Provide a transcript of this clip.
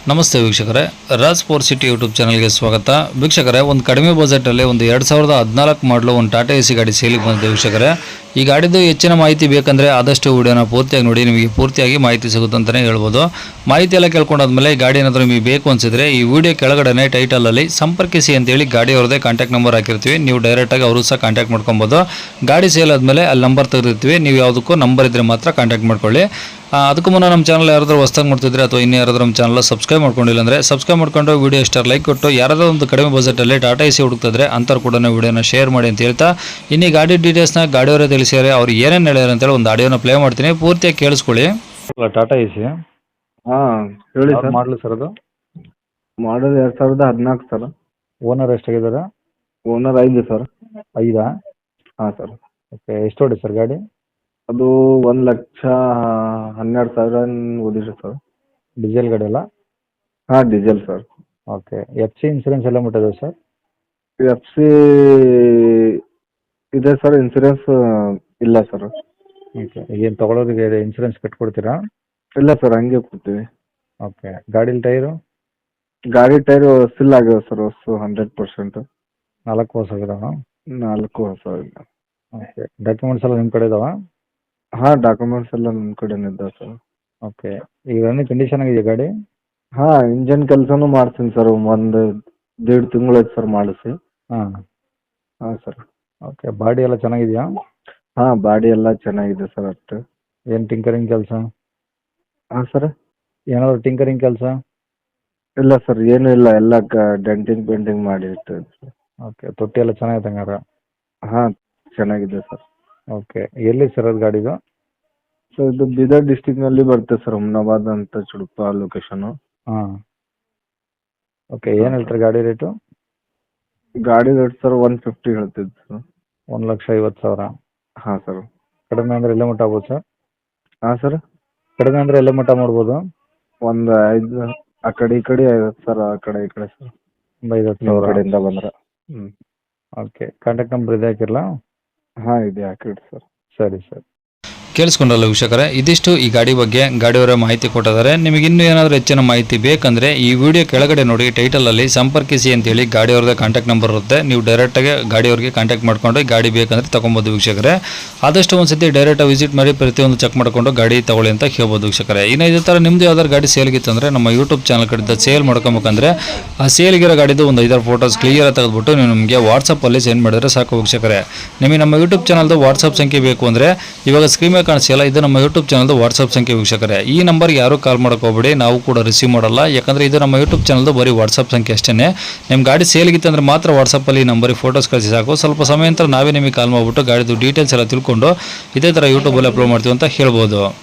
ನಮಸ್ತೆ ವೀಕ್ಷಕರೇ, Raj four city YouTube ಚಾನಲ್ಗೆ ಸ್ವಾಗತ. ವೀಕ್ಷಕರೇ, ಒಂದು ಕಡಿಮೆ ಬಜೆಟಲ್ಲಿ ಒಂದು 2014 ಮಾಡಲು ಒಂದು ಟಾಟಾ ಎಸಿ ಗಾಡಿ ಸೇಲಿಗೆ ಬಂದಿದೆ. ವೀಕ್ಷಕರೇ, ಈ ಗಾಡಿದು ಹೆಚ್ಚಿನ ಮಾಹಿತಿ ಬೇಕಂದರೆ ಆದಷ್ಟು ವಿಡಿಯೋನ ಪೂರ್ತಿಯಾಗಿ ನೋಡಿ, ನಿಮಗೆ ಪೂರ್ತಿಯಾಗಿ ಮಾಹಿತಿ ಸಿಗುತ್ತೆ ಅಂತಲೇ ಹೇಳ್ಬೋದು. ಮಾಹಿತಿ ಎಲ್ಲ ಕೇಳ್ಕೊಂಡಾದ್ಮೇಲೆ ಗಾಡಿ ಏನಾದರೂ ನಿಮಗೆ ಬೇಕು ಅನಿಸಿದ್ರೆ ಈ ವಿಡಿಯೋ ಕೆಳಗಡೆ ಟೈಟಲಲ್ಲಿ ಸಂಪರ್ಕಿಸಿ ಅಂತೇಳಿ ಗಾಡಿಯವ್ರದ್ದೇ ಕಾಂಟ್ಯಾಕ್ಟ್ ನಂಬರ್ ಹಾಕಿರ್ತೀವಿ. ನೀವು ಡೈರೆಕ್ಟಾಗಿ ಅವರು ಸಹ ಕಾಂಟ್ಯಾಕ್ಟ್ ಮಾಡ್ಕೊಬೋದು. ಗಾಡಿ ಸೇಲ್ ಆದಮೇಲೆ ಅಲ್ಲಿ ನಂಬರ್ ತೆಗೆದಿರ್ತೀವಿ, ನೀವು ಯಾವುದಕ್ಕೂ ನಂಬರ್ ಇದ್ದರೆ ಮಾತ್ರ ಕಾಂಟ್ಯಾಕ್ಟ್ ಮಾಡ್ಕೊಳ್ಳಿ. ಅದಕ್ಕೂ ಮುನ್ನ ನಮ್ಮ ಚಾನಲ್ ಯಾರಾದರೂ ಹೊಸದಾಗಿ ಮಾಡ್ತಿದ್ರೆ ಅಥವಾ ಇನ್ನೂ ಯಾರಾದರೂ ನಮ್ಮ ಚಾನಲ್ ಸಬ್ಸ್ಕ್ರೈಬ್ ಮಾಡ್ಕೊಂಡಿಲ್ಲ ಅಂದರೆ ಸಬ್ಸ್ಕ್ರೈಬ್ ಮಾಡ್ಕೊಂಡು ವಿಡಿಯೋ ಇಷ್ಟ ಲೈಕ್ ಕೊಟ್ಟು, ಯಾರಾದರೂ ಒಂದು ಕಡಿಮೆ ಬಜೆಟಲ್ಲಿ ಟಾಟಾ ಎಸಿ ಹುಡುಕ್ತಿದ್ರೆ ಅಂಥವ್ರು ಕೂಡ ವಿಡಿಯೋನ ಶೇರ್ ಮಾಡಿ ಅಂತ ಹೇಳ್ತಾ, ಇನ್ನೀ ಗಾಡಿ ಡೀಟೇಲ್ಸ್ನ ಗಾಡಿಯವರೇ ತಿಳಿಸಿದರೆ ಅವ್ರು ಏನೇನು ಹೇಳ್ಯಾರ ಅಂತೇಳಿ ಒಂದು ಆಡಿಯೋನ ಪ್ಲೇ ಮಾಡ್ತೀನಿ, ಪೂರ್ತಿಯಾಗಿ ಕೇಳಿಸ್ಕೊಳ್ಳಿ. ಟಾಟಾ ಎಸಿ ಹೇಳಿ ಸರ್. ಮಾಡಲು ಸರ್, ಅದು ಮಾಡಲ್ 2014 ಸರ್. ಓನರ್ ಎಷ್ಟಾಗಿದ್ದಾರೆ? Owner 5 sir. 5? ಹಾಂ ಸರ್. ಓಕೆ, ಎಷ್ಟು ಹೊಡಿ ಸರ್ ಗಾಡಿ? ಅದು 1,12,000 ಓದಿರಿ ಸರ್. ಡೀಸೆಲ್ ಗಾಡಿ ಅಲ್ಲ? ಹಾಂ, diesel sir. Okay, F C insurance ಎಲ್ಲ ಮುಟ್ಟಿದೆ ಸರ್? ಎಫ್ ಸಿ ಇದೆ ಸರ್, ಇನ್ಸೂರೆನ್ಸ್ ಇಲ್ಲ ಸರ್. ಓಕೆ, ಏನು ತೊಗೊಳೋರಿಗೆ ಇನ್ಸೂರೆನ್ಸ್ ಕಟ್ಕೊಡ್ತೀರಾ? ಇಲ್ಲ ಸರ್, ಹಂಗೆ ಕೊಡ್ತೀವಿ. ಓಕೆ, ಗಾಡೀಲಿ ಟೈರು? ಗಾಡಿ ಟೈರು ಸಿಲ್ ಆಗ್ಯಾವ ಸರ್, ಹೊಸ 100%. 4 ವರ್ಷ ಆಗಿದಾವ? 4 ಹೊಸ ಇಲ್ಲ. ಓಕೆ, ಡಾಕ್ಯುಮೆಂಟ್ಸ್ ಎಲ್ಲ ನಿಮ್ಮ ಕಡೆ ಇದಾವ? ಹಾಂ, ಡಾಕ್ಯುಮೆಂಟ್ಸ್ ಎಲ್ಲ ನನ್ನ ಕಡೆನೇ ಇದ್ದಾವೆ ಸರ್. ಓಕೆ, ಈಗ ರನ್ನಿಂಗ್ ಕಂಡೀಷನ್ ಆಗಿದೆ ಗಾಡಿ? ಹಾಂ, ಇಂಜನ್ ಕೆಲಸನೂ ಮಾಡ್ತೀನಿ ಸರ್. 1.5 ತಿಂಗಳಾಯ್ತು ಸರ್ ಮಾಡಿಸಿ. ಹಾಂ ಹಾಂ ಸರ್. ಓಕೆ, ಬಾಡಿ ಎಲ್ಲ ಚೆನ್ನಾಗಿದೆಯಾ? ಹಾಂ, ಬಾಡಿ ಎಲ್ಲ ಚೆನ್ನಾಗಿದೆ ಸರ್. ಅಷ್ಟು ಏನು ಟಿಂಕರಿಂಗ್ ಕೆಲಸ? ಹಾಂ ಸರ್. ಏನಾದರೂ ಟಿಂಕರಿಂಗ್ ಕೆಲಸ? ಇಲ್ಲ ಸರ್, ಏನೂ ಇಲ್ಲ. ಎಲ್ಲ ಡೆಂಟಿಂಗ್ ಪೇಂಟಿಂಗ್ ಮಾಡಿ ಇಟ್ಟಿದ್ದೀನಿ ಸರ್. ಓಕೆ, ತೊಟ್ಟಿ ಎಲ್ಲ ಚೆನ್ನಾಗಿದೆ ಹಂಗಾರೆ? ಹಾಂ, ಚೆನ್ನಾಗಿದೆ ಸರ್. ಓಕೆ, ಎಲ್ಲಿ ಸರ್ ಅದು ಗಾಡಿದು? ಸರ್, ಇದು ಬೀದರ್ ಡಿಸ್ಟಿಕ್ನಲ್ಲಿ ಬರುತ್ತೆ ಸರ್, ಹುಮ್ನಾಬಾದ್ ಅಂತ ಚುಡುಪ ಲೊಕೇಶನು. ಹಾಂ. ಓಕೆ, ಏನು ಹೇಳ್ತಾರೆ ಗಾಡಿ ರೇಟು? ಗಾಡಿ ರೇಟ್ ಸರ್ 150 ಹೇಳ್ತಿದ್ದು ಸರ್. 1,50,000? ಹಾಂ ಸರ್. ಕಡಿಮೆ ಅಂದರೆ ಎಲ್ಲೇ ಮಟ್ಟ ಆಗ್ಬೋದು ಸರ್? ಹಾಂ ಸರ್. ಕಡಿಮೆ ಅಂದರೆ ಎಲ್ಲೇ ಮಟ್ಟ ಮಾಡ್ಬೋದು? ಒಂದು 5 ಆ ಕಡೆ ಈ ಕಡೆ 50 ಸರ್, ಆ ಕಡೆ ಈ ಕಡೆ ಸರ್. ಒಂದು 50,000 ನಿಮ್ಮ ಕಡೆಯಿಂದ ಬಂದ್ರೆ. ಹ್ಞೂ. ಓಕೆ, ಕಾಂಟ್ಯಾಕ್ಟ್ ನಂಬರ್ ಇದೆ ಹಾಕಿರಲ್ಲ? ಹಾಂ, ಇದೆ, ಹಾಕಿಡಿ ಸರ್. ಸರಿ ಸರ್. ಕೇಳಿಸ್ಕೊಂಡಲ್ಲ ವೀಕ್ಷಕರೇ, ಇದಿಷ್ಟು ಈ ಗಾಡಿ ಬಗ್ಗೆ ಗಾಡಿಯವರೇ ಮಾಹಿತಿ ಕೊಟ್ಟಿದ್ದಾರೆ. ನಿಮಗೆ ಇನ್ನೂ ಏನಾದರೂ ಹೆಚ್ಚಿನ ಮಾಹಿತಿ ಬೇಕಂದರೆ ಈ ವಿಡಿಯೋ ಕೆಳಗಡೆ ನೋಡಿ ಟೈಟಲಲ್ಲಿ ಸಂಪರ್ಕಿಸಿ ಅಂತೇಳಿ ಗಾಡಿಯವ್ರದ್ದೇ ಕಾಂಟ್ಯಾಕ್ಟ್ ನಂಬರ್ ಇರುತ್ತೆ. ನೀವು ಡೈರೆಕ್ಟಾಗಿ ಗಾಡಿಯವ್ರಿಗೆ ಕಾಂಟ್ಯಾಕ್ಟ್ ಮಾಡ್ಕೊಂಡು ಗಾಡಿ ಬೇಕಂದರೆ ತೊಗೊಬೋದು ವೀಕ್ಷಕರೇ. ಆದಷ್ಟು ಒಂದು ಸತಿ ಡೈರೆಕ್ಟಾಗಿ ವಿಸಿಟ್ ಮಾಡಿ ಪ್ರತಿಯೊಂದು ಚೆಕ್ ಮಾಡಿಕೊಂಡು ಗಾಡಿ ತೊಗೊಳ್ಳಿ ಅಂತ ಹೇಳ್ಬೋದು ವೀಕ್ಷಕರೇ. ಇನ್ನು ಇದೇ ಥರ ನಿಮ್ಮದು ಯಾವ್ದಾದ್ರು ಗಾಡಿ ಸೇಲ್ಗಿತ್ತು ಅಂದರೆ ನಮ್ಮ ಯೂಟ್ಯೂಬ್ ಚಾನಲ್ ಕಡೆಯಿಂದ ಸೇಲ್ ಮಾಡ್ಕೊಬೇಕಂದ್ರೆ ಆ ಸೇಲ್ಗಿರೋ ಗಾಡಿದು ಒಂದು 5 ಫೋಟೋಸ್ ಕ್ಲಿಯರ್ ತೆಗೆದುಬಿಟ್ಟು ನೀವು ನಮಗೆ ವಾಟ್ಸಪ್ಪಲ್ಲಿ ಸೆಂಡ್ ಮಾಡಿದ್ರೆ ಸಾಕು ವೀಕ್ಷಕರೇ. ನಿಮಗೆ ನಮ್ಮ ಯೂಟ್ಯೂಬ್ ಚಾನಲ್ದು ವಾಟ್ಸಪ್ ಸಂಖ್ಯೆ ಬೇಕು ಅಂದರೆ ಇವಾಗ ಸ್ಕ್ರೀನ್ ಮೇಲೆ ಕಾಣಿಸಿಲ್ಲ, ಇದು ನಮ್ಮ ಯೂಟ್ಯೂಬ್ ಚಾನಲ್ದು ವಾಟ್ಸಪ್ ಸಂಖ್ಯೆ ವೀಕ್ಷಕರೇ. ಈ ನಂಬರ್ಗೆ ಯಾರು ಕಾಲ್ ಮಾಡೋಕೆ ಹೋಗ್ಬೇಡಿ, ನಾವು ಕೂಡ ರಿಸೀವ್ ಮಾಡಲ್ಲ. ಯಾಕಂದರೆ ಇದು ನಮ್ಮ ಯೂಟ್ಯೂಬ್ ಚಾನಲ್ದು ಬರೀ ವಾಟ್ಸಪ್ ಸಂಖ್ಯೆ ಅಷ್ಟೇ. ನಿಮ್ಮ ಗಾಡಿ ಸೇಲ್ಗಿತ್ತು ಅಂದರೆ ಮಾತ್ರ ವಾಟ್ಸಪ್ಪಲ್ಲಿ ಈ ನಂಬರಿಗೆ ಫೋಟೋಸ್ ಕಳಿಸಿ ಸಾಕು. ಸ್ವಲ್ಪ ಸಮಯ ನಂತರ ನಾವೇ ನಿಮಗೆ ಕಾಲ್ ಮಾಡಿಬಿಟ್ಟು ಗಾಡಿದು ಡೀಟೇಲ್ಸ್ ಎಲ್ಲ ತಿಳ್ಕೊಂಡು ಇದೇ ಥರ ಯೂಟ್ಯೂಬಲ್ಲಿ ಅಪ್ಲೋಡ್ ಮಾಡ್ತೀವಿ ಅಂತ ಹೇಳ್ಬೋದು.